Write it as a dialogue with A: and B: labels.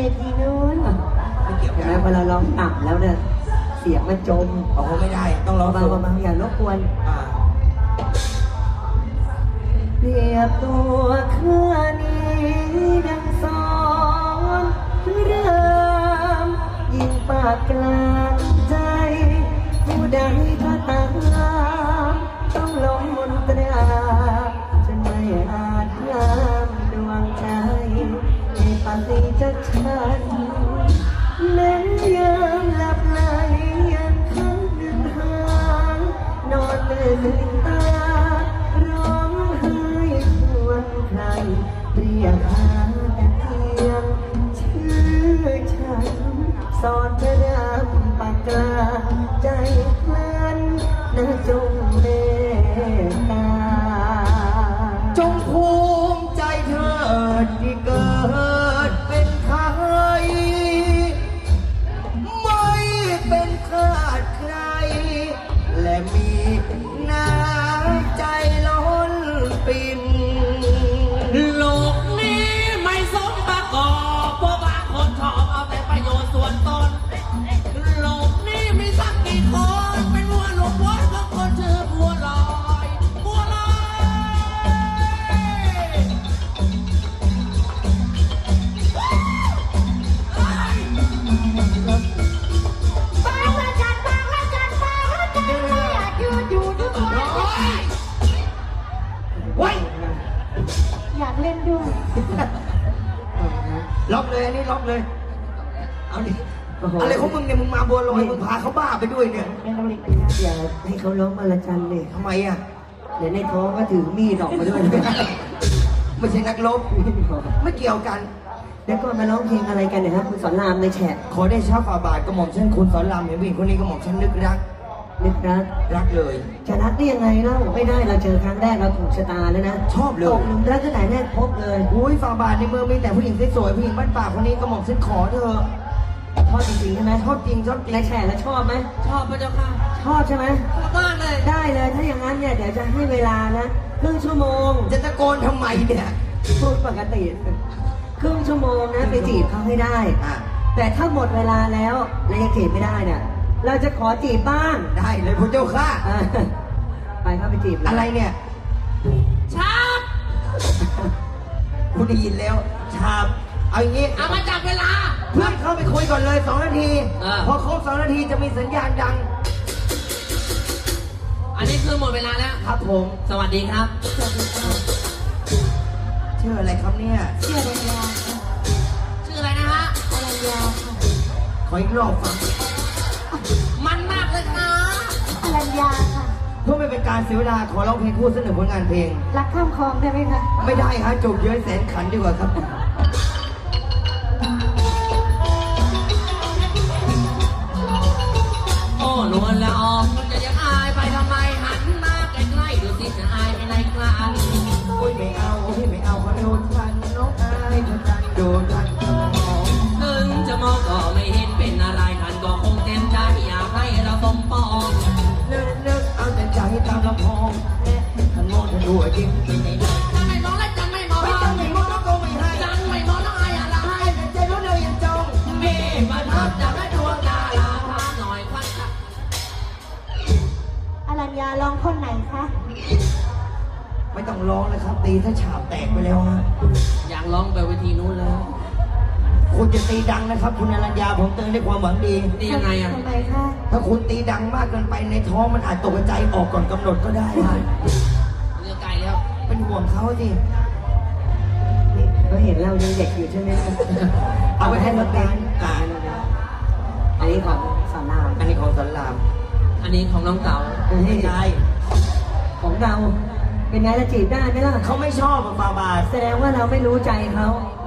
A: ทีนู้น
B: ไม่เกี่ยว
A: เห็น
B: กั
A: ไหม
B: น
A: พอเราร้องต่ำแล้วเนี่ยเสียงมันจม
B: โอ้โหไม่ได้ต้องร้อง
A: เบา
B: สูง
A: ๆอย่ารบกวน
B: อ่า
A: เปรียบตัวข้านี้ดังสอนเริ่มยิ่งปากกลางใจผู้ใดก็ตามต้องลงมนตราจะไม่อาจห้ามดวงใจให้ปฏิจักฉันแม้ยามหลับไหลยังคันดึงหางนอนตื่นลืมตาร้องไห้ครวญใครเรียกหาแต่เพียงชื่อฉันสอนเธอดำปากกลางใจเพลินนะจงเมตตา
B: จงภูมิใจเถิดที่เกิดเป็นไทยไม่เป็นทาสใคร และมีน้ำใจล้นปิ่น
C: โลกนี้ไม่สมประกอบเพราะบางคนชอบเอาแต่ประโยชน์ส่วนตนโลกนี้มีสักกี่คนเป็นวัวหลงวัวของคนชื่อบัวลอยบัวลอย
D: บางละจันบางละจันบางละจันไม่อยากอยู่ทุกวัน
B: ไว้ย
D: อยากเล่นด้วย
B: ล็อกเลยอันนี้ล็อกเลย เอาดิ
A: โอ้โห
B: อะไรของมึงเนี่ยมึงมาบัวลอยมึงพาเขาบ้าไปด้วยเนี่ย
D: เป็นเราเล็กนะครับ
A: อย่าให้เขาร้องมาละจันเลย
B: ทำไมอ่ะ
A: เดี๋ยวในท้องก็ถือมีดออกมาด้วย
B: ไม่ใช่นักรบไม่เกี่ยวกัน
A: แล้วก็มาร้องเพลงอะไรกันเนี่ยครับคุณสอนรามในแฉะ
B: ขอได้ชาฝ่าบาทกระหม่อมเช่นคุณสอนรามเห็นผู้หญิงคนนี้กระหม่อมเช่นนึกรัก
A: นึกรัก
B: รักเลย
A: จะรักได้ยังไงเล่าไม่ได้เราเจอครั้งแรกเราถูกชะตาแล้วนะ
B: ชอบเลย
A: ตกหลุมรักตั้งแต่แรกพบเลย
B: อุ้ยฝ่าบาทในเมืองมีแต่ผู้หญิงสวยๆผู้หญิงบ้านป่าคนนี้กระหม่อมเช่นขอเธอะ
A: ชอบจริงๆใช่ไหม
B: ชอบจริงชอบจริง
A: ในแฉะแล้วชอบไหม
C: ชอบพระเจ้าค่ะ
A: ชอบใช่ไหม
C: ชอบมากเลย
A: ได้เลยถ้าอย่างนั้นเนี่ยเดี๋ยวจะให้เวลานะครึ่งชั่วโมง
B: จะตะโกนทำไมเนี่ย
A: พูดปกติครึ่งชั่วโมงนะไปจีบเขาให้ได้
B: อ่ะ
A: แต่ถ้าหมดเวลาแล้วแล้วยังจีบไม่ได้เนี่ยเราจะขอจีบบ้าง
B: ได้เลยพระเจ้าค่ะ
A: เออไปเข้าไปจีบเลย
B: อะไรเนี่ย
C: ชาบ
B: คุณได้ยินแล้ว ชาบเอาอย่างงี้
C: เอามาจับเวลา
B: เพื่อนเข้าไปคุยก่อนเลย2 นาที
C: อ่า
B: พอครบ2 นาทีจะมีสัญญาณดัง
C: อันนี้คือหมดเวลาแล้ว
B: ครับผม
C: สวัสดีครับ
B: ชื่ออะไรครับเนี่ย
D: เชื่อรัญญาค่ะ
C: ชื่ออะไรนะฮะ
D: อรัญญาค่ะ
B: ขออีกรอบฟัง
C: มันมากเลยค่ะ
D: อรัญญาค่ะ
B: เพื่อไม่เป็นการเสียเวลาขอร้องเพลงคู่เสนอผลงานเพลง
D: รักข้ามคลองได้ไหมคะ
B: ไม่ได้ฮะจบเยอะแสนขันดีกว่าครับ
C: โอ้นวลละอองมันจะยังอายไปทำไมหันมาใกล้ๆดูสิจะอายไปไหนกลาง
B: โอ้ยไม่เอาโอ้ยไม่เอาขอโดนทันน้องอายเธอทันโดนทันน้อง
C: ถึงจะมองก็ไม่เห็นเป็นอะไรท่านก็คงเต็มใจอยากให้เราสมปอง
B: นึกเอาแต่ใจตามลำพองทันโง่ทันรัวยิ้มไปไหนได้
C: ถ้าไม่มองและจังไม่มอง
B: ไม่ต้องไม่มองก็ไม่ให้
C: จังไม่มองแล้วอายอะไร
B: แต่ใจรู้เลยยังจง
C: มีประทับจากให้ดวงดาราพาหน่อยควันตา
D: อรัญญาร้องคนไหนคะ
B: ไม่ต้องร้องเลยครับ ตีถ้าฉาบแตกไปแล้วฮะ
C: อยากร้องไปเวทีนู้นแล้ว
B: คุณจะตีดังนะครับ คุณอรัญญาผมเตือนด้วยความหวังดี
C: นี่ยังไงอ่ะ
D: ทำไมคะ
B: ถ้าคุณตีดังมากเกินไปในท้องมันอาจตกใจออกก่อนกำหนดก็ได้ฮะ
C: เรือไกลแล้ว
B: เป็นห่วงเขาสิ
A: นี่เขาเห็นเรายังเด็กอยู่ใช่ไหม
B: เอาไปให้รถเบนซ์
A: อันนี้ของสอนราม
B: อันนี้ของสันราม
C: อันนี้ของน้องเต๋า
B: ไม่ใช่
A: ของเราเป็นไงละจีบได้ไหมล่ะ
B: เขาไม่ชอบอะฟาบาส
A: แสดงว่าเราไม่รู้ใจเขา